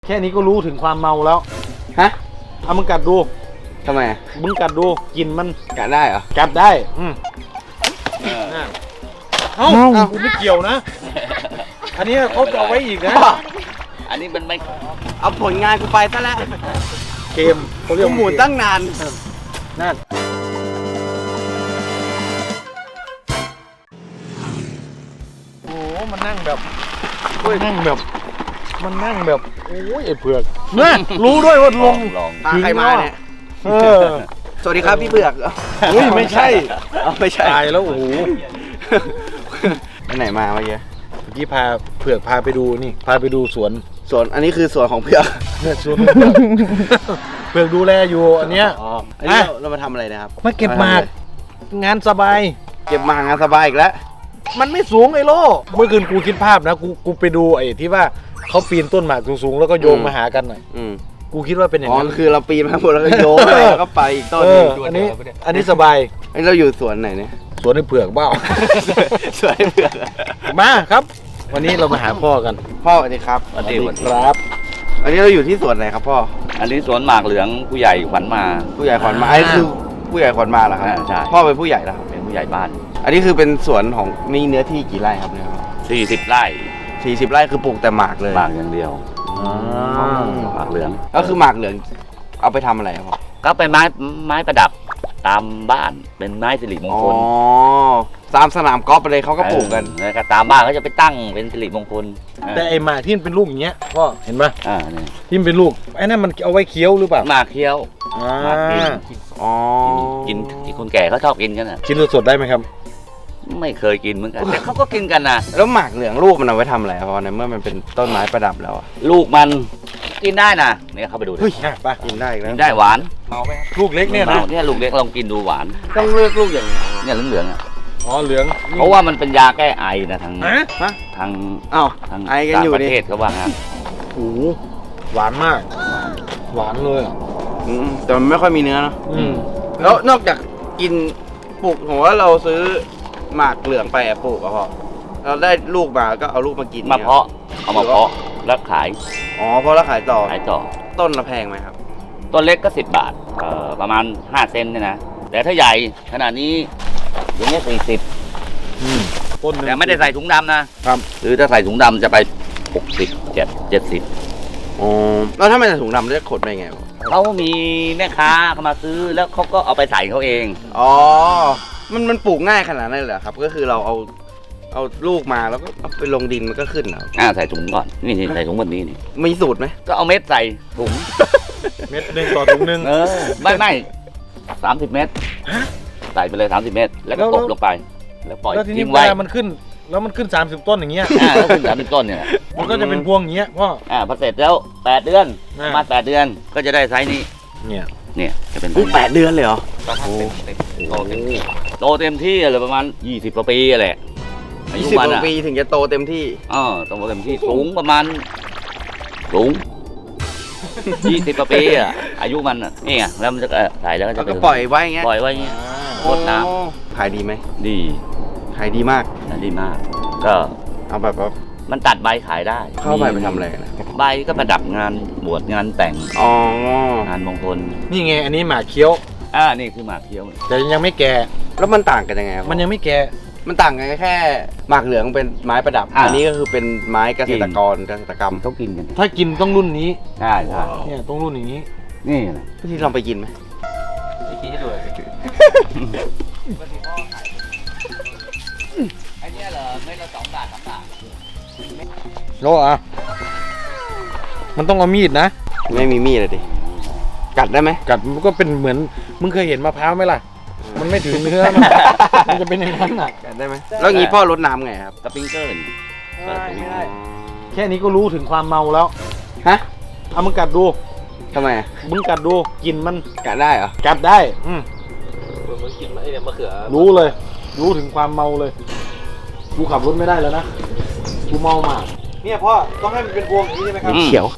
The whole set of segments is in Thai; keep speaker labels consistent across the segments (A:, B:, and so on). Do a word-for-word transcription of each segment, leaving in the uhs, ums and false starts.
A: แค่นี้ก็รู้ถึงความเมาแล้วฮะเอามึงกัดดูทำไมมึงกัดดูกินมันกัดได้เหรอกัดได้อืมเอ้ากูไม่เกี่ยวนะอันนี้เขาจะเอาไว้อีกนะ
B: อันนี้มันไม่
C: เอาผลงานกูไปซะแล้ว
A: เกมเขาเรียก
C: หมุนตั้งนาน
A: นั่นโอ้มันนั่งแบบมันนั่งแบบมันนั่งแบบโอ้ยไอ้เผือกนะรู้ด้วยว่าลง
C: พาใครมาเนี่ย
A: เออ
C: สวัสดีครับพี่เผือก
A: เฮ้ยไม่ใช่
C: ไม่ใช่
A: ตายแล้วโอ้โห
C: ไปไหนมาเมื่อกี้
A: เมื่อกี้พาเผือกพาไปดูนี่พาไปดูสวน
C: สวนอันนี้คือสวนของเผือก
A: เนี่ยสวนเผือกดูแลอยู่อันเนี้ย
C: อ๋ออันนี้เรามาทำอะไรนะครับ
A: มาเก็บหมากงานสบาย
C: เก็บหมากงานสบายอีกแล้ว
A: มันไม่สูงไอ้โลเมื่อคืนกูคิดภาพนะกูกูไปดูไอ้ที่ว่าเขาปีนต้นหมากสูงๆแล้วก็โยงมาหากันหน่อยกูคิดว่าเป็นอย่างนั้น
C: อ๋อคือเราปีนมาหมดแล้วก็โยงแล้วก็ไปอีกต้นนึง
A: อันนี้อันนี้สบาย
C: อันนี้เราอยู่สวนไหนเนี่ย
A: สวนไอ้เผือกเบ้า
C: สวนไอ้เผือก
A: มาครับวันนี้เรามาหาพ่อกัน
C: พ่อสวัสดีครับ
B: สวัสดี
A: ครับ
C: อันนี้เราอยู่ที่สวนไหนครับพ่อ
B: อันนี้สวนหมากเหลืองผู้ใหญ่ขวัญมา
C: ผู้ใหญ่ขวัญมาไอ้คือผู้ใหญ่ขวัญมาเหรอครับ
B: ใช่
C: พ่อเป็นผู้ใหญ่แล้วครับ
B: เป็นผู้ใหญ่บ้าน
C: อันนี้คือเป็นสวนของมีเนื้อที่กี่ไร่ครับเนี่ย
B: สี่สิบไร่
C: สี่สิบไร่คือปลูกแต่หมากเลย
B: หมากอย่างเดียวหมากเหลือง
C: ก็คือหมากเหลืองเอาไปทำอะไรครับพ่อ
B: ก็เป็นไม้ไม้ประดับตามบ้านเป็นไม้สิริมงคล
C: อ๋อตามสนามกอล์ฟไปเลยเขาก็ปลูกกัน
B: แล้วก็ตามบ้านเขาจะไปตั้งเป็นสิริมงคล
A: แต่ไอ้หมากที่มันเป็นลูกอย่างเงี้ยก็เห็นปะ
B: อ่านี่
A: ที่มันเป็นลูกไอ้นั่นมันเอาไว้เคี้ยวหรือเปล่า
B: หมากเคี้ยวหมากกิน
C: อ๋อ
B: กินที่คนแก่เขาชอบกินกันอ่ะ
A: กินสดได้ไหมครับ
B: ไม่เคยกินเหมือนกันแต่เขาก็กินกันนะ
C: แล้วหมากเหลืองลูกมันเอาไว้ทำอะไรเพราะในเมื่อมันเป็นต้นไม้ประดับแล้ว
B: ลูกมันกินได้นะเนี่ยเข้าไปดู
A: เฮ้ยไป
C: กินได้แล้ว
B: กินได้หวาน
A: เมาไหมลูกเล็กเนี่ยนะ
B: เนี่ยลูกเล็กลองกินดูหวาน
C: ต้องเลือกลูกอย่างนี้
B: เนี่ยเหลืองๆอ่ะ
A: อ๋อเหลือง
B: เพราะว่ามันเป็นยาแก้ไอนะทางทาง
C: อ้าวทางไอกันอยู่
B: ประเทศเขาว่างั้น
A: โอ้หวานมากหวานเลยอ่ะ
C: แต่มันไม่ค่อยมีเนื้อเนาะแล้วนอกจากกินปลูกผมว่าเราซื้อหมากเหลืองไปปลูกอะพอเราได้ลูกมาก็เอาลูกมากิน
B: มาเพาะเอามาเพาะแล้วขาย
C: อ๋อเพราะแล้วขายต่อ
B: ขายต่อ
C: ต้นละแพงไหมครับ
B: ต้นเล็กก็สิบบาทเอ่อประมาณห้าเซนเนี่ยนะแต่ถ้าใหญ่ขนาดนี้อย่างเงี้ยสี่สิบ
A: ต้น
B: แต่ไม่ได้ใส่ถุงดำนะครับหรือถ้าใส่ถุงดำจะไปหกสิบเจ็ดเจ็ดสิบ
C: อ๋อแล้วถ้าไม่ใส่ถุงดำจะขดไปไง
B: เขามีแม่ค้าเขามาซื้อแล้วเขาก็เอาไปใส่เขาเอง
C: อ๋อมันมันปลูกง่ายขนาดนั้นเหรอครับก็คือเราเอาเอาลูกมาแล้วก็เอาไปลงดินมันก็ขึ้นเหรอ
B: อ่าใส่ถุงก่อนนี่ใส่ถุงแบบนี้นี่
C: มีสูตรไหม
B: ก็เอาเม็ดใส่ถุง
A: เม็ดหนึ่งต่อถุงหนึ่ง
B: เออไม่ไม่สามสิบเม็ดใส่ไปเลยสามสิบเม็ดแล้วก็ตบลงไปแล้วปล่อย
A: ทิ้งไว้มันขึ้นแล้วมันขึ้นสามสิบต้นอย่างเงี้ย
B: อ่าขึ้นสามสิบต้นเนี่ย
A: มันก็จะเป็นพวงอย่างเงี้ยพ่อ
B: อ่าพอเสร็จแล้วแปดเดือนประมาณแปดเดือนก็จะได้ไซส์นี้
A: เนี่ย
B: เนี่ยจะเป็น
C: แปดเดือนเลยเหรอ
B: โอ้โตเต็มที่โตเต็มที่เลยประมาณยี่สิบกว่าปีแหละ
C: ยี่สิบกว่าปีถึงจะโตเต็มที่
B: อ๋อโตเต็มที่สูงประมาณสูงยี่สิบกว่าปีอ่ะอายุมันอ่ะนี่ไงแล้วมันจะใส่แล้วก็จะ
C: ปล่อยไว้เงี้ย
B: ปล่อยไว้เงี้ยรดน้
C: ำขายดีไหม
B: ดี
C: ขายดีมาก
B: ขายดีมากก็
C: เอาแบบว่า
B: มันตัดใบขายได้
C: เข้าใบไปทำอะไรนะ
B: ใบก็ประดับงานบวชงานแต่ง
C: อ๋อง
B: านมงคล
A: นี่ไงอันนี้หมากเคี้ยว
B: อ่านี่คือหมากเคี้ยว
A: แต่ยังไม่แก่
C: แล้วมันต่างกันยังไง
A: มันยังไม่แก่
C: มันต่างกันแค่หมากเหลืองเป็นไม้ประดับอันนี้ก็คือเป็นไม้เกษตรกรเกษตรกรรม
B: เขากินกัน
A: ถ้ากินต้องรุ่นนี้
B: ใช่ใช่
A: เนี่ยต้องรุ่นอย่างนี้
B: นี่
C: พี่ลองไปกินไหม
B: ไปกินให้ดูไอ้นี่เหรอไม่ละสองบาทสามบาท
A: โลอ่ะมันต้องเอามีดนะ
C: ไม่มีมีดเลยดิกัดได้ไหม
A: กัดมันก็เป็นเหมือนมึงเคยเห็นมะพร้าวไหมล่ะมันไม่ถึงเนื้อมันจะเป็นอย่างนั้นอ่ะ
C: กัดได้ไหมแล้วงี้พ่อรดน้ำไงครับ
B: สปริงเกอร์
A: ไม่ได้แค่นี้ก็รู้ถึงความเมาแล้ว
C: ฮะ
A: เอามึงกัดดู
C: ทำไม
A: มึงกัดดูกินมัน
C: กัดได้เหรอ
A: กัดได้อืม
B: มึงกินไอ้เนี่ยมะเขือ
A: รู้เลยรู้ถึงความเมาเลยกูขับรถไม่ได้แล้วนะกูเมามากเนี่ยพ่อต้องให้มันเป็นพวงอย่างนี้ใช่ไหมครับ
C: เขียว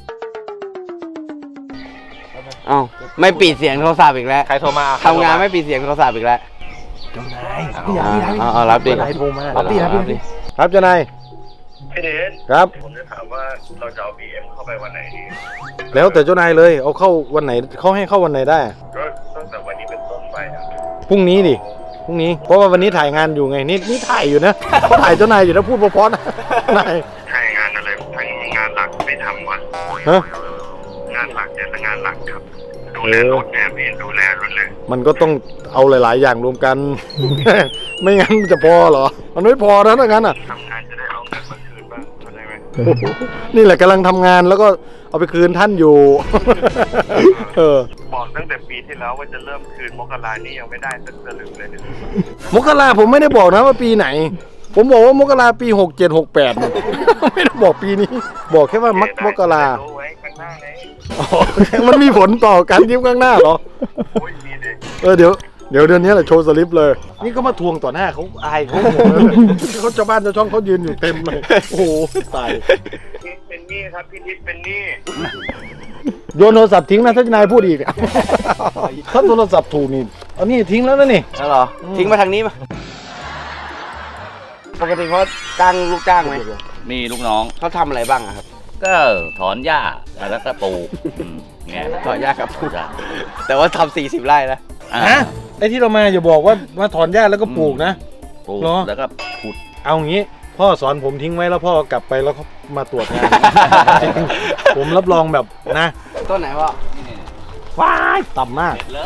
C: อ้าวไม่ปิดเสียงโทรศัพท์อีกแล้ว
A: ใครโทรมา
C: ทำงานไม่ปิดเสียงโทรศัพท์อีกแล้ว
A: เจ้านาย
C: พี่รับพี่รับ
A: โทรมารับดิรับดิรับดิรับเจ้านาย
D: พี่เดช
A: ครับ
D: ผมจะถามว่าเราจะเอา บี เอ็ม เข้าไปวันไหนดี
A: แล้วแต่เจ้านายเลยเอาเข้าวันไหนเขาให้เข้าวันไหนได้
D: ก็ตั้งแต่วันนี้เป็นต้นไปอะ
A: พรุ่งนี้ดิพรุ่งนี้เพราะว่าวันนี้ถ่ายงานอยู่ไงนี่นี่ถ่ายอยู่นะเขาถ่ายเจ้านายอยู่นะพูดเพราะๆนะนาย
D: ถ้างานอะไรถ้างานหลักไม่ทำวะ
A: ฮะ
D: งานหลักเนี่ยแต่งานหลักครับ ดูแลรถเนี่ยพี่ดูแลรถเลย
A: มันก็ต้องเอาหลาย ๆ อย่างรวมกัน ไม่งั้นมันจะพอเหรอ มันไม่พอนะถ้างั้นอ่ะ
D: ทำงานจะได้เอาเงินมาคืนบ้างเข้าใจไหม
A: นี่แหละกำลังทำงานแล้วก็เอาไปคืนท่านอยู่ เออ
D: บอกตั้งแต่ปีที่แล้วว่าจะเริ่มคืนมกรานี่ยังไม่ได้สักสลึงเลยเนี่ย
A: มกราผมไม่ได้บอกนะว่าปีไหน ผมบอกว่ามกราปีหกเจ็ดหกแปด ไม่ได้บอกปีนี้ บอกแค่ว่ามักมกรา
D: รู้ไว้ข้างหน้าไง
A: อ๋อมันมีผลต่อการยิ้มข้างหน้าเหรอ
D: โอ้ยมีเด็ก
A: เออเดี๋ยวเดี๋ยวเดือนนี้แหละโชว์สลิปเลย นี่ก็มาทวงต่อหน้าเขาอายเขาหมดเลยเขาชาวบ้านชาวช่องเขายืนอยู่เต็มเลย โอ้โหตาย
D: พี่เป็นหนี้ครับพี่ทิศเป็นหนี้
A: โยนโทรศัพท์ทิ้งนะถ้าจะนายพูดอีกอะ ถ้าโทรศัพท์ถูกนี่เอานี่ทิ้งแล้วนะนี่
C: แล้วเหรอ ทิ้งมาทางนี้มาปกติเขาจ้างลูกจ้างไหม
B: มีลูกน้อง
C: เขาทำอะไรบ้างอะครับ
B: ก็ถอนหญ้าแล้วก็ปลูกอืมเนี่ย
C: ถอนหญ้ากับปลูก
B: จ้ะ
C: แต่ว่าทำสี่สิบไร่นะ
B: อ่า
A: ฮะไอ้ที่เรามาอย่าบอกว่ามาถอนหญ้าแล้วก็ปลูกนะ
B: ปลูก
A: เหรอ
B: แล้วก็ขุด
A: เอางี้พ่อสอนผมทิ้งไว้แล้วพ่อกลับไปแล้วเขามาตรวจงาน จริงผมรับรองแบบนะ
C: ต้นไหนพ่อ
A: ว้ายต่ำมาก
B: เสร็จเลย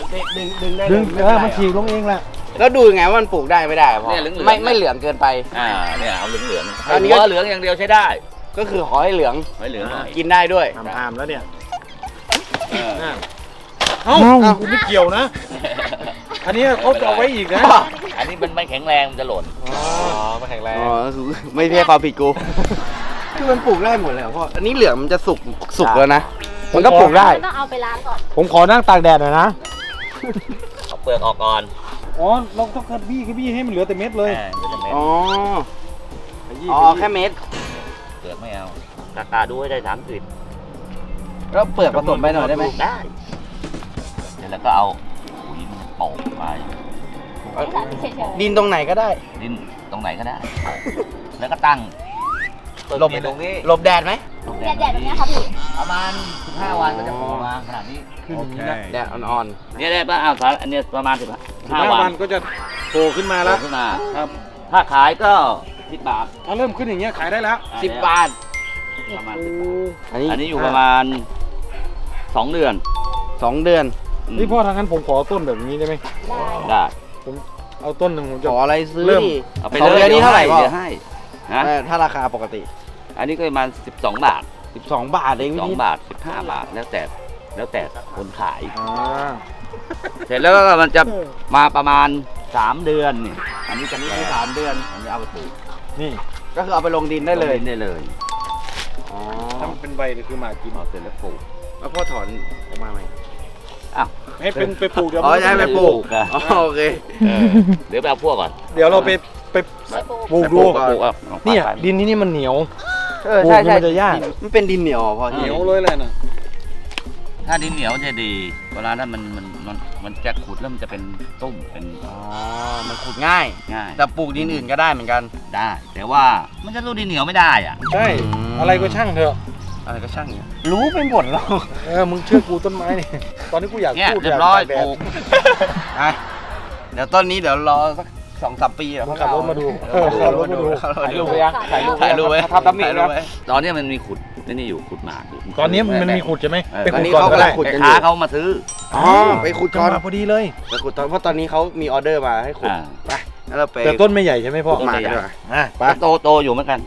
C: ดึงดึงได้
A: ดึง
C: เลย
A: เออมันฉีกลงเองแหละ
C: แล้วดูยังไงว่ามันปลูกได้ไม่ได้อะพ่อ
B: เนี่ยเหลืองๆ
C: ไม่ไม่เหลืองเกินไป
B: อ่าเนี่ยเอาเหลืองเหลืองๆ
C: อันนี้
B: หั
C: ก็
B: วเหลืองอย่างเดียวใช้ได้
C: ก็คือขอให้เหลือง
B: ไม่เหลืองหน่อย
C: กินได้ด้วย
A: ทำอามแล้วเนี่ย
B: เออ
A: น่ะเอ้าคุณไม่เกี่ยวนะ อันนี้เขาจะเอาไว้อีกนะ
B: อันนี้มันไม่แข็งแรงมันจะหล่น
A: อ๋อมาแข็งแรง
C: อ๋อก็คือไม่ใช่ความผิดกู คือมันปลูกได้หมดเลยเหรอพ่อ อันนี้เหลืองมันจะสุกสุกแล้วนะ มันก็ปลูกได้
E: ต้องเอาไปล้างก่อน
A: ผมขอนั่งตากแดดหน่อยนะ
B: เอาเปลือกออกก่อน
A: อ๋อเราต้องขบี้ขบี้ให้มันเหลือแต่เม็ดเลย
B: อ่าเดี๋ยวจะเม็ด
C: อ๋อ
A: ขยี้
C: อ๋อ
A: ขยี้
C: แค่เม็ด
B: เปลือกไม่เอากากาดูให้ได้สามสิบ
C: แล้วเปลือกผสมไปหน่อยได้ไหม
B: ได้เสร็จแล้วก็เอาปุ๋ยโปะไป
E: เฉย
C: ดินตรงไหนก็ได้
B: ดินตรงไหนก็ได้ แล้วก็ตั้ง
C: หลบ
B: ต้นตรงนี้
C: หลบแดดไหม
E: ๆแดดๆแบบเนี้ยครับพี่
B: ประมาณสิบห้าวันก็จะโผล่มาขนาดนี้
A: ขึ้นอย่างนี้นะ
C: แดดอ่อน
B: เนี่ยได้ป่ะอ้าวสารอันเนี้ยประมาณสิบ
A: สิบ
B: ห้า
A: ห้า
B: วั
A: วัน นก็จะโผล่ขึ้นมา
B: โผล่
A: แล้ว
B: ขึ้นมา
A: ครับ
B: ถ้าขายก็สิบบาท
A: ถ้าเริ่มขึ้นอย่างเงี้ยขายได้แล้ว
C: ๆสิบบาท
B: ประมาณ
A: โอ้
B: สิบบาท
C: อันนี้
B: อันนี้อยู่ประมาณสองเดือน
C: สองเดือน
B: ม
A: นี่พ่อทางนั้นผมขอต้นแบบนี้ได้ไหม
B: ได้
A: ผมเอาต้นหนึ่งผม
C: ข
A: จะ
C: ออะไรซื้อ
A: เริ่ม
C: ดิ
B: เอาไป
C: สอง
B: เลย
C: เดือนนี้เท่าไหร่พ่อ
B: เดี๋ยวให้ฮะ
C: เออถ้าราคาปกติ
B: อันนี้ก็ประมาณสิบสองบาท
C: สิบสองบาทเอง
B: สอง
C: พี่
B: บาทสิบห้าบาทแล้วแต่แล้วแต่คนขาย
A: อ่า
B: เสร็จแล้วก็มันจะมาประมาณสามเดือนนี่อันนี้จะนี่คือสามเดือนอันนี้เอาไปปลูก
A: นี่
C: ก็คือเอาไปลงดินได้เลย
B: อาปได้เลย
C: อ๋อ
A: ถ้ามันเป็นใบเนี่ยคือหมากกิน
B: เอาเสร็จแล้วปลูก
C: แล้วพ่อถอนออกมาไหม
B: อ้าว
A: ให้เป็นไปปลูกเดี๋ยว
C: อ๋อ
A: มัน
C: จะให้ไปปลูก
B: อ่ะ
C: อ๋อโอเค
B: เออเดี๋ยวไปเอาพวกก่อน
A: เดี๋ยวเราไปไปปลูก
B: ไป
A: ดู
B: ปลูกปลูกอ่ะอาไป
A: เนี่ย
B: ไป
A: ดินที่นี่มันเหนียว
C: เออใช่
A: ปลูกนี่
C: ใช่
A: มันจะยาก
C: มันเป็นดินเหนียวเหรอพ่อ
A: เหนียวเลยแหละน่ะ
B: ถ้าดินเหนียวจะดีเวลานั้นมันมันมันมันจะขุดแล้วมันจะเป็นตุ้มเป็น
C: อ๋อ มันขุดง่าย
B: ง่าย
C: แต่ปลูกดินอื่นก็ได้เหมือนกัน
B: ได้ แต่ว่ามันจะสู้ดินเหนียวไม่ได้อ่ะ
A: ใช่
C: อืม
A: อะไรก็ช่างเถอะ
C: อะไรก็ช่างเนี่ยรู้ไปหมดแล้ว
A: เออมึงเชื่อกูต้นไม้นี่ ตอนนี้กูอยาก
B: เนี่ย
A: พูด
B: เรียบร้อย
A: ากตากแด
B: ป
A: ด
B: ลูก
C: อ่ะเดี๋ยวต้นนี้เดี๋ยวรอสักสองสามปีเดี๋ยว
A: มึงขับรถมาดู
C: เออขับรถมาดู
A: ถ่ายรูปไว้ยังถ่ายรูป
C: ถ่ายรูปไว้
A: ทำตำหนิ
C: ถ่ายรูป
A: นะ
C: ไว้
B: ตอนนี้มันมีขุดนี่อยู่ขุดหมากอยู่
A: ตอนนี้มันมีขุดใช่ไหม
B: เออ
A: ไป
C: ตอน
A: ขุด
C: นี้
A: ก่อน
C: เขา
A: ก็
C: กำลั
A: ได้
C: งขุด
B: แม่
C: กันอ
B: ค้า
C: ยู่
B: เขามาซื้อ
C: อ๋อไปขุด
A: จั
C: ก่
A: ง
C: อน
A: หวะพอดีเลย
C: ไปขุดตอนเพราะตอนนี้เขามีออเดอร์มาให้ขุด
B: อ่า
C: ไปแล้วเราไป
A: แต่ต้นไม่ใหญ่ใช่ไหมพ่อ
B: ต้น
C: หมาก
B: ไม่ใหญ่
C: ดีกว่า
A: อ่ะไป
B: โตโตอยู่เหมือนกัน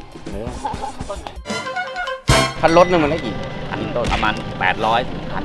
C: คันรถหนึงมันได้กี่
B: อันนี้ต้นประมาณแปดร้อยถึงพัน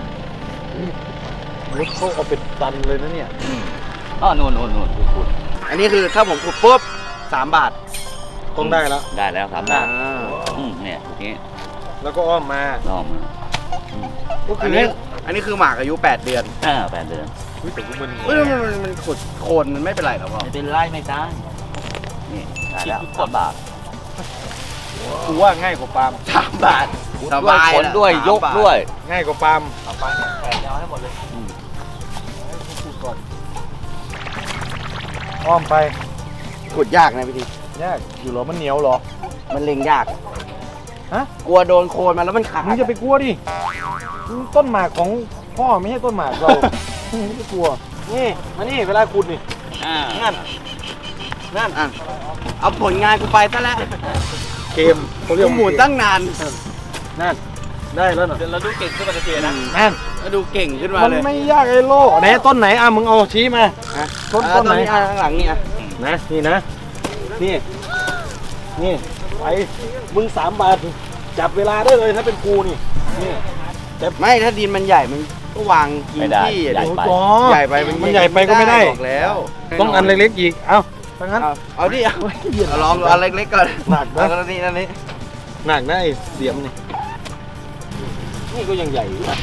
A: รถเขาเอาเป็นตันเลยนะเนี่ย
B: อ๋อนู่นนู่นนู่นขุด
C: อันนี้คือถ้าผมขุดปุ๊บสามบาท
A: ต้องได้แล้ว
B: ได้แล้วสามบาท
C: อ่า
B: อืมเนี่ยอย่างงี้
A: แล้วก็อ้อมมา
B: ลองมา
A: ก็คื
C: อั
A: อน
C: นี้
A: เนี่ย
C: อันนี้คือหมากอายุแปดเดือน
B: อ่าแปดเดือน
A: เฮ้ยแต่กูมัน
C: เฮ้ยมันมันมันขุดโคนมันไม่เป็นไรหรอพ่อ
B: ไม่เป็นไรไม่ตายนี่ได้แล้วสามบาท
A: กูว่าง่ายกว่าปาล์ม
C: สามบาท
B: ขุด
C: ส
B: ด้วย
C: บาย
B: ขนด้วย
C: ละ
B: ยก
C: สามบาท
B: ด้วย
A: ง่ายกว่าปาล์ม
B: เอาไปแปดยาวให้หมดเลย
A: ให้กูขุดก่อนอ้อมไป
C: ขุดยากนะพี่ที
A: ยากอยู่เหรอมันเหนียวเหรอ
C: มันเล็งยาก
A: ฮะ
C: กลัวโดนโคนมันแล้วมันขาด
A: มึงจะไปกลัวดิมันต้นหมากของพ่อไม่ใช่ต้นหมากเรา มึงไม่ต้องกลัว นี่มานี่เวลาขุดนี่
B: อ่า
A: นั่น
C: นั่นอ่ะเอาผลงานกูไปซะแล้ว
A: เกมเขาเรียก
C: กูหมุนตั้งนาน
A: นั่น ได้แล้วเนาะ
B: เราดูเก่งขึ้นมาทันทีนะ
A: นั่น
C: แล้วดูเก่งขึ้นมา
A: มัน
C: เลย
A: ไม่ยากไอ้โลไหนต้นไหนอ่ะมึงเอาชี้มา
C: อ่ะ
A: ต้น
C: อ่ะ
A: ต้นไหน
C: อ่ะข้างหลังนี่อ่ะ
A: นะนี่นะ นี่ นี่ไปมึงสามบาทจับเวลาได้เลยถ้าเป็นกูนี่นี่
C: ไม่ถ้าดินมันใหญ่มันก็วางกิน
B: ไม่ได้
C: ที่อ่ะ
B: ใหญ่
C: ดิ
B: ไป
C: ใหญ่ไปมัน
A: มันใหญ่ไปก็ไม่ได้
C: บอกแล้ว
A: ต้องอันเล็กๆอีกเอ้าถ้างั้น
C: เอาเอาดิเอาเอาลองดูอันเล็กๆก่อน
A: หนักนะ
C: เอาอันนี้อันนี้
A: หนักนะไอ้เสียมนี่นี่ก็ยังใหญ่อยู่นะ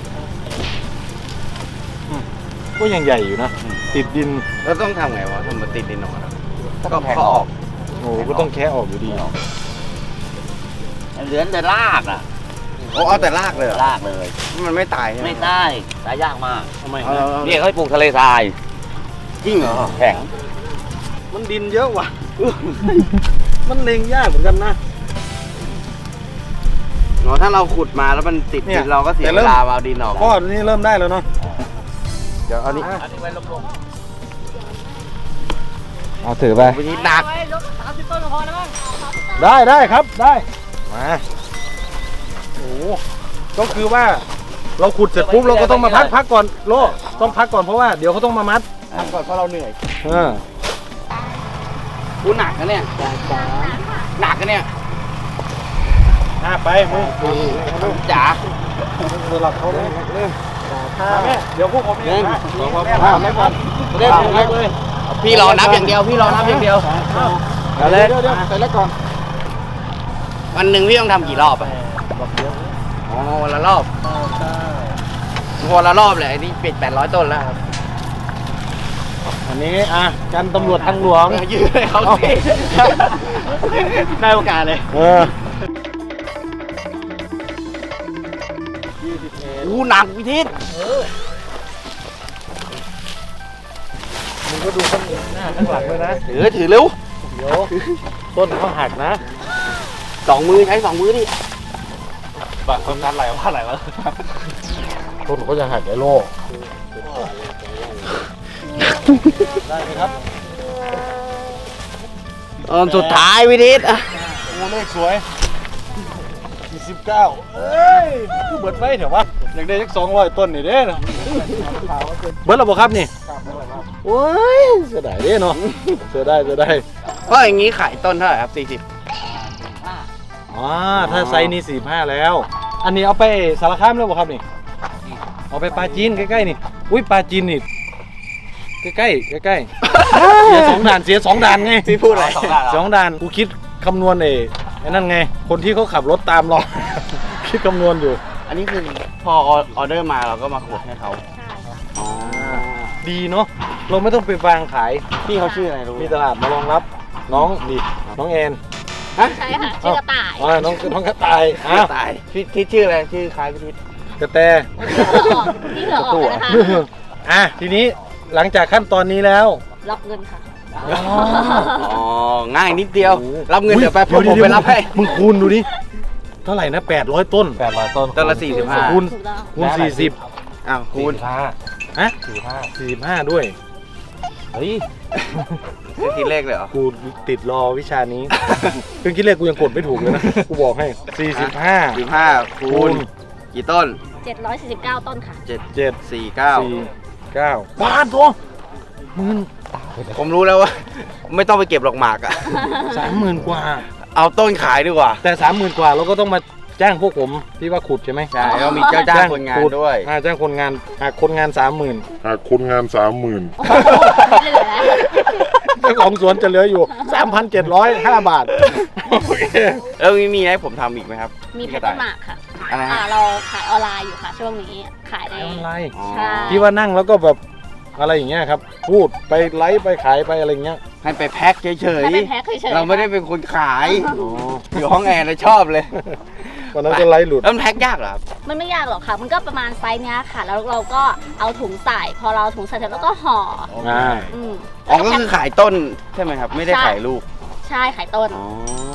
A: อืมก็ยังใหญ่อยู่นะติดดิน
C: แล้วต้องทำไงวะทำมันติดดินออกมาแล้วก็
B: ต้องแทง
C: เขา
B: อ
C: อ
B: อ
C: อก ก
A: โอ้โหก็ต้องแค่ออกอยู่ดี
B: เหลือแต่รากอ่ะ
C: โอ้เอาแต่รากเลยเหรอ
B: รากเลย
C: มันไม่ตายใช่ไหม
B: ไม่ได้ตายยากมาก
A: ทำไม
C: เอา
A: นะ
C: เอาเอา
B: นี่เขาให้ปลูกทะเลทราย
C: จริงเหรอ
B: แข็ง
A: มันดินเยอะว่ะ มันเล็งยากเหมือนกันนะ
C: อ๋อถ้าเราขุดมาแล้วมันติด
A: เนี่
C: ดิ
A: ย
C: นเราก็เสีย
A: แต่
C: เว
A: เริ่ม
C: ลาเอาดินออก
A: พ่อนี่เริ่มได้แล้วเนาะ
C: เดี๋ยวเอานี้
B: อันนี้ไว้ลง
A: เอาถือไป
C: วันนี้หนัก
A: ได้ได้ครับได้มาโอ้โหก็คือว่าเราขุดเสร็จปุ๊บเราก็ต้องมาพักพักก่อนโลต้องพักก่อนเพราะว่าเดี๋ยวเขาต้องมามัด
C: ทำก่อนเพราะเราเหนื่อย
A: เออ
C: กูหนักนะเนี่ยหนักนะเนี่ย
A: อ่ะไปมึง
C: จ๋า
A: สลับเขาเลยแม่เดี๋ยวพวกผมเองนะ
C: หนึ่ง
A: แม่ทำให้ก่อนเล่นเล็กเลย
C: พี่รอนับอย่างเดียวพี่รอนับอย่างเดียว
A: เอาเลยเดี๋ยวเดี๋ยวใส่แล้วก่อน
C: วันหนึ่งพี่ต้องทำกี่รอบอ่ะอ๋อวันละรอบวันละรอบเลยไอ้นี่ปิดแปดร้อยต้นแล้วครับ
A: อันนี้อ่ะกันตำรวจทางหลวง
C: ยืดให้เขาสิได้โอกาสเลย
A: เออ
C: อู้หนักพิทิศ
A: มึงก็ดูข้างหน้าข้างหลังเลยนะ
C: ถือถือเร็ว
A: เดี๋ยวต้นเขาหักนะ
C: สองมือใช้สองมือดิ
B: แบบทำงานอะไรว่าอะไรวะ
A: ต้นเขาจะหักไอ้โลได้ไหมครับ
C: ตอนสุดท้ายพิทิศอ่ะ
A: โอ้เลขสวยสี่สิบเก้าเอ้ยกูเบิดไปเถอะวะอยากได้สักสองร้อยต้นนี่เด้นะเบิดแล้วบ่ครับนี่โอ้ยเสียดายเด้เนาะเสียดายเสียดาย
C: เพราะอย่างนี้ขายต้นเท่าไหร่ครับสี่สิบ
A: อ๋อถ้าไซส์นี้สี่ห้าแล้ว อันนี้เอาไปสารคามแล้วบ่ครับนี่เอาไปปลาจีนใกล้ๆนี่อุ้ยปลาจีนนี่ใกล้ๆใกล้ๆเสียสองด่านเสียสองด่านไง
C: พี่พูดอะไร
B: สองด้าน
A: สองด่านกูคิดคำนวณเองไอ้นั่นไง คนที่เขาขับรถตามเรา คิดคำนวณอยู่
C: อันนี้คือพอออเดอร์มาเราก็มาขุดให้เขาอ๋อ
A: ดีเนาะเราไม่ต้องไปวางขาย
C: พี่เขาชื่ออะไรรู้ไหม
A: มีตลาดมารองรับน้องดิน้องแอน
C: ฮะ
E: ใช่ค่ะชื่อกระต่าย
A: อ๋อน้องน้องกระต่ายอ้าว
C: ตายพี่ทิศชื่ออะไรชื่อคล้ายพี่ทิศ
A: กระแต
E: ที่เหลือออกนะคะ
A: อ่ะทีนี้หลังจากขั้นตอนนี้แล้ว
E: รับเงินค่ะ
C: อ๋อง่ายนิดเดียว
A: โอ้โห
C: รับเงินเดี๋ยวไปผม
A: ดี๋
C: ผมไปรับให้
A: มึงคูณดูดิเท่าไหร่นะแปดร้อยต้นแปดร้อยต้น
C: ต้นละสี่สิบห้า
A: คูณ
E: ถูกต้อง
A: คูณสี่สิบ
C: อ้าวคูณ
A: ฮะสี่ห้าสี่สิบห้าด้วยเฮ้ย
C: จะคิดเลขเลยเหรอ
A: กูติดรอวิชานี้ เครื่องคิดเลขกูยังกดไม่ถูกเลยนะ กูบอกให้สี่สิบห้า
C: สิบห้าคูณกี่ต้น
E: เจ็ดร้อยสี่สิบเก้าต้นค่ะ
C: เจ็ด
A: เจ็ด
C: สี่เก้า
A: สี่เก้าบาทตัวหมื่น
C: ผมรู้แล้วว่า ไม่ต้องไปเก็บหรอกหมากอะ
A: สามหมื่นกว่า
C: เอาต้นขายดีกว่า
A: แต่สามหมื่นกว่าเราก็ต้องมาจ้างพวกผมที่ว่าขุดใช่ไหม
C: ใช่แล้วมีเจ้าจ้างคนงาน
A: ขุ
C: ด้วย
A: อ่าจ้างคนงานหากคนงานสามหมื่น
D: หากคนงานสามหมื่น
E: โอ้โหเหลือแล้ว
A: เจ้าของสวนจะเหลืออยู่สามพันเจ็ดร้อยห้าบาทโอเค
C: แล้วมีมีให้ผมทำอีกไหมครับ
E: มีแพทเทิร์นหมากค่ะ
C: อะไร
E: อ่า
C: ฮะ
E: เราขายออนไลน์อยู่ค่ะ ช่วงนี้ขายใน
A: ไม่เป็นไร
C: อ๋อ
E: ใช่
A: ที่ว่านั่งแล้วก็แบบอะไรอย่างเงี้ยครับ พูดไปไลฟ์ไปขายไปอะไรอย่างเงี้ย
C: ให้ไปแพ็คเฉย
E: ถ้าเป็นแพ็คเฉย
C: ๆ
E: ๆ
C: เราไม่ได้เป็นคนขาย
A: อ๋อ
C: อยู่ห้องแอร์เลยชอบเลย
A: วันนั้นก็ไลฟ์หลุด
C: แล้วมันแพ็คยากเหรอครับ
E: มันไม่ยากหรอกค่ะ มันก็ประมาณไซส์เนี้ยค่ะ แล้วเราก็เอาถุงใส่ พอเราถุงใส่เสร็จแล้วก็ห่อ
A: อ่า
E: อืม
C: อ๋อก็คือขายต้นใช่ไหมครับ ไม่ได้ขายลูก
E: ใช่ขายต้น
C: อ๋อ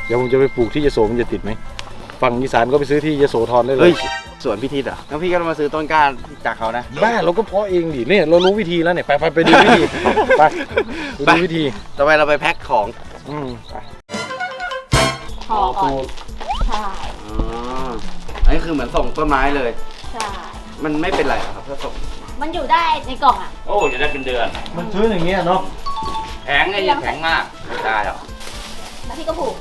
A: เดี๋ยวผมจะไปปลูกที่ยโสมันจะติดไหมฝั่งอีสานก็ไปซื้อที่ยโสธรได้เล
C: เฮ้
A: ย
C: ยสวนพิธีเหรอแล้วพี่ก็มาซื้อต้นกล้าจากเขานะ
A: บ้าเราก็เพาะเองดิเนี่ยเรารู้วิธีแล้วเนี่ยไปไปไปดูวิธีไปไปดูวิธี
C: ต่อไปเราไปแพ็คของ
A: อืม
E: ห่อก่อนใช่
C: อ๋ออันนี้คือเหมือนส่งต้นไม้เลย
E: ใช่
C: มันไม่เป็นไรหรอครับถ้าส่ง
E: มันอยู่ได้ในกล่องอ่ะ
B: โอ้จะได้เป็นเดือน
A: มันซื้ออย่างเงี้ยเนาะ
B: แข็งไอ้เนี่ยแข็งมากไม่ได้หรอก
E: แล้วพี่ก็ผูก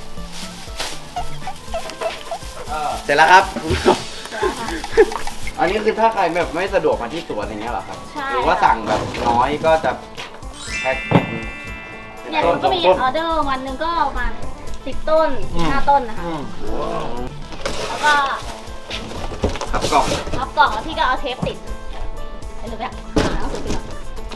C: เสร็จแล้วครับคุณผู้ชมอันนี้คือถ้าใครแบบไม่สะดวกมาที่สวนอย่างเงี้ยเหรอครับ
E: ใช่
C: หรือว่าสั่งแบบน้อยก็จะแพ็คเป็น
E: เนี่ยหนูก็มีออเดอร์วันหนึ่งก็ประมาณสิบต้นสิบห้าต้นนะคะ
A: อืม
E: แล้วก็
C: ครับกล่อง
E: พับกล่องแล้วพี่ก็เอาเทปติดไอ้หนูแบบหาหนังสือพิมพ์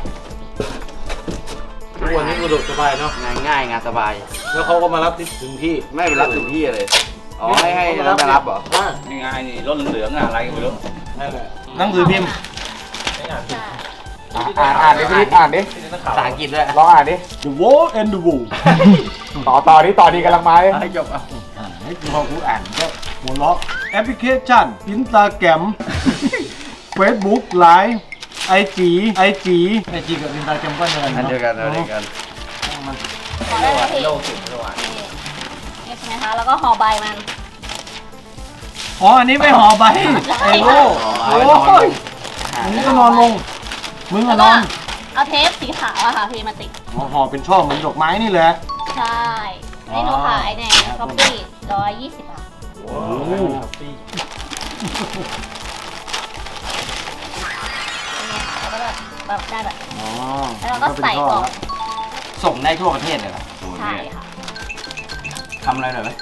A: ทุกวันนี้สะดวกสบายเนาะ
C: งานง่ายงานสบาย
A: แล้วเขาก็มารับที่ถึงที่
C: ไม่ไปรับถึงที่เลยอ๋อให้ให้เราไปรับเหรอ
A: ว่า
B: นี่ไงนี่รถเหลืองๆอะอะไรก็ไม่รู้
A: นั่นแหละหนังสือพิมพ์
E: ใช่
C: อ่านอ่านดิพี่อ่านดิภาษาอังกฤษด้วย
F: ลองอ่านดิ
A: The Wall and the Wool
F: ต่อต่อนี้ต่อดีกำลังมาเลย
C: ให้จบอ่ะ
A: อ่าให้พอกูอ่านก็หัวเราะแอปพลิเคชัน Instagram Facebook Line ไอจีไอจีไอจีกับ Instagram ก็เนิน
C: อันเดียวกันอันเดียวกัน
E: พอได้แล้วพี่นี่นี่ใช่ไหมคะแล้วก็ห่อใบมัน
A: อ๋ออันนี้ไม่ห่อใบไอ้โง่โอ้ยมึงก็นอนลงมึงก็
E: แล้ว
A: น
E: ก็
A: อน
E: เอาเทปสีขาวอะค่ะพี่มาติด
A: อ๋อห่อเป็นช่อเหมือนดอกไม้นี่แหละ
E: ใช่นี่หนูขายในช้อปปี้ร้อยยี่สิบบาท
A: โอ้โห
E: นี่ค่ะแล้วก็แบบแบบได้แบบ
A: อ๋อ
E: แล้วเราก็ใส่กล่อง
C: ส่งได้ทั่วประเทศเลยเหรอ
E: ใช่ค่ะ
C: ทำอะไรหน่อยไหม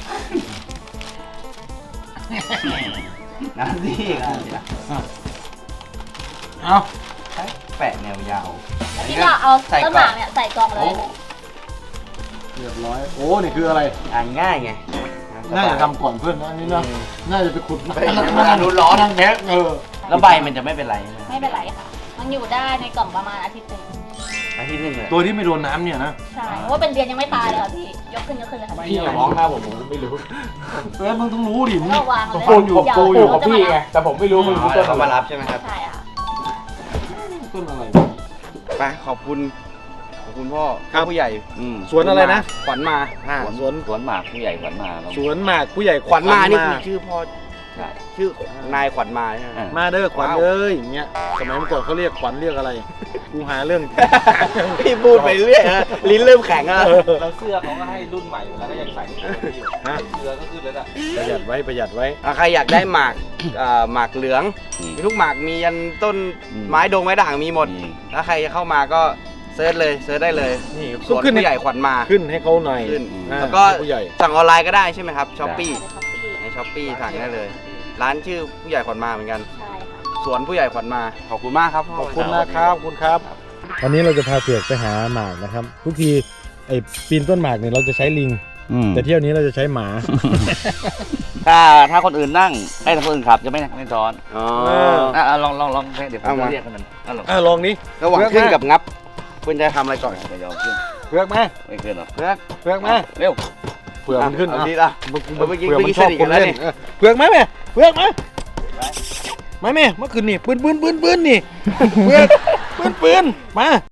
C: งานดีงานดีนะ
A: เอา
C: แปะแนวยาว
E: แล้วพี่ก็เอาต้นหมากเนี่ยใส่กล่องเล
C: โอ้
E: ย
A: เรียบร้อยโอ้นี่คืออะไร
C: อ่านง่ายไง
A: น่าจะทำก่อนเพื่อนนะอันนี้นะน่าจะไปขุด
C: ไปมาดูร้อน
A: นั่งแพ็คเออ
C: แล้วใบมันจะไม่เป็นไรใช่ไหม
E: ไม่เป็นไรค่ะ มันอยู่ได้ในกล่องประมาณอาทิตย์หนึ่ง
C: อาทิตย์หนึงเลย
A: ตัวที่ไม่โดนน้ำเนี่ยนะ
E: ใช่เพราะว่าเป็นเดือนยังไม่ตายเลยค่ะพี่ ยกขึ้นยกขึ้นเลยค่ะ
A: พี่อย่าร้องนะผมผมไม่รู้เออมึงต้องรู้ดิมึง
E: ก็วางเลย
A: โกอยู่
E: ยาว
A: โกอ
F: ปลู
A: ยู่
F: กกับพี่ไง แต่ผมไม่รู้มึงรู้ต้น
C: เขา
F: อะไร
C: มารับใช่ไหมครับ
E: ใช่ค่ะ
A: ต้นอะไร
C: ไปขอบคุณขอบคุณพ่อ
A: ครับ
C: ผู้ใหญ่
B: อืม
A: สวนอะไรนะ
C: ขวัญมา
A: อ่า
B: สวน
A: สวน
B: สวนหมากผู้ใหญ่ขวัญมาแล้ว
A: สวนหมากผู้ใหญ่
C: ขวัญมานี่คือชื่อพ่อ
B: ใช่
C: ชื่อนายขวัญมาใช่ไหม
B: อ่ะ
A: มาเด้อขวัญเอ้ยอย่างเงี้ยสมัยเมื่อก่อนเขาเรียกขวัญเรียกอะไรกูหาเรื่อง
C: พี่พูดไปเรื่อยนะลิ้นเริ่มแข็งแล้ว
F: เราเสื้อเขาก็ให้รุ่นใหม่อยู่แล้วก็ยังใส่
A: ฮะ
F: เสื้อก็ขึ้นแล้วอ่ะ
A: ประหยัดไว้ประหยัดไว้
C: อ่ะใครอยากได้หมากเอ่อหมากเหลือง
B: อืม
C: มีทุกหมากมียันต้น
B: อืม
C: ไม้ดงไม้ด่างมีหมด
B: อืม
C: ถ้าใครจะเข้ามาก็เซิร์ชเลยเซิร์ชได้เลย
A: นี่
C: สวน
A: ขึ้น
C: ผู้ใหญ่ขวัญมา
A: ขึ้นให้เขาหน่อย
C: ขึ้น
A: อ่า
C: แล้วก็
A: ผู้ใหญ่
C: สั่งออนไลน์ก็ได้ใช่ไหมครับช้อปปี้
E: ในช้อปปี้
C: ในช้อปปี้สั่งได้เลย ร้านชื่อผู้ใหญ่ขวัญมาเหมือนกัน
E: ใช่ค่ะ
C: สวนผู้ใหญ่ขวัญมาขอบคุณมากครับพ่
A: ขอบคุณนะครับขอบคุณครับ วันนี้เราจะพาเผือกไปหาหมากนะครับ ทุกทีไอ้ปีนต้นหมากเนี่ยเราจะใช้ลิง
B: อืม
A: แต่เที่ยวนี้เราจะใช้หมา
B: ถ้าถ้าคนอื่นนั่งให้คนอื่นขับจะไม่ไม่ซ้อน
C: อ๋อ
B: อ่ะอ่ะลองลองลองเดี๋ยวผม
C: เอามา
B: จะเรียกให้มันอ่ะลอง
A: อ่ะลองนี้
C: ระหว่างขึ้นกับงับคุณจะทำอะไรก่อน
B: จะยอมขึ้น
A: เผือกมา
B: ไม่ขึ้นหรอก
C: เพื่อน
A: เผือกมา
B: เร็ว
A: เผือกมันขึ้น
C: เอา
A: อ่ะ
C: ดีละ
A: เมื่อ
C: เมื่อกี้
A: เผือกมัน
C: เมื่อกี้
A: ชอบ
C: สนิท
A: ค
C: กัน
A: น
C: แล้ว
A: เล่น
C: นี่
A: เออเผือกมาแม่เผือกมามาแม่เมื่อคืนนี่ปืนปืนปืนปืนนี่เผือกปืนปืนมา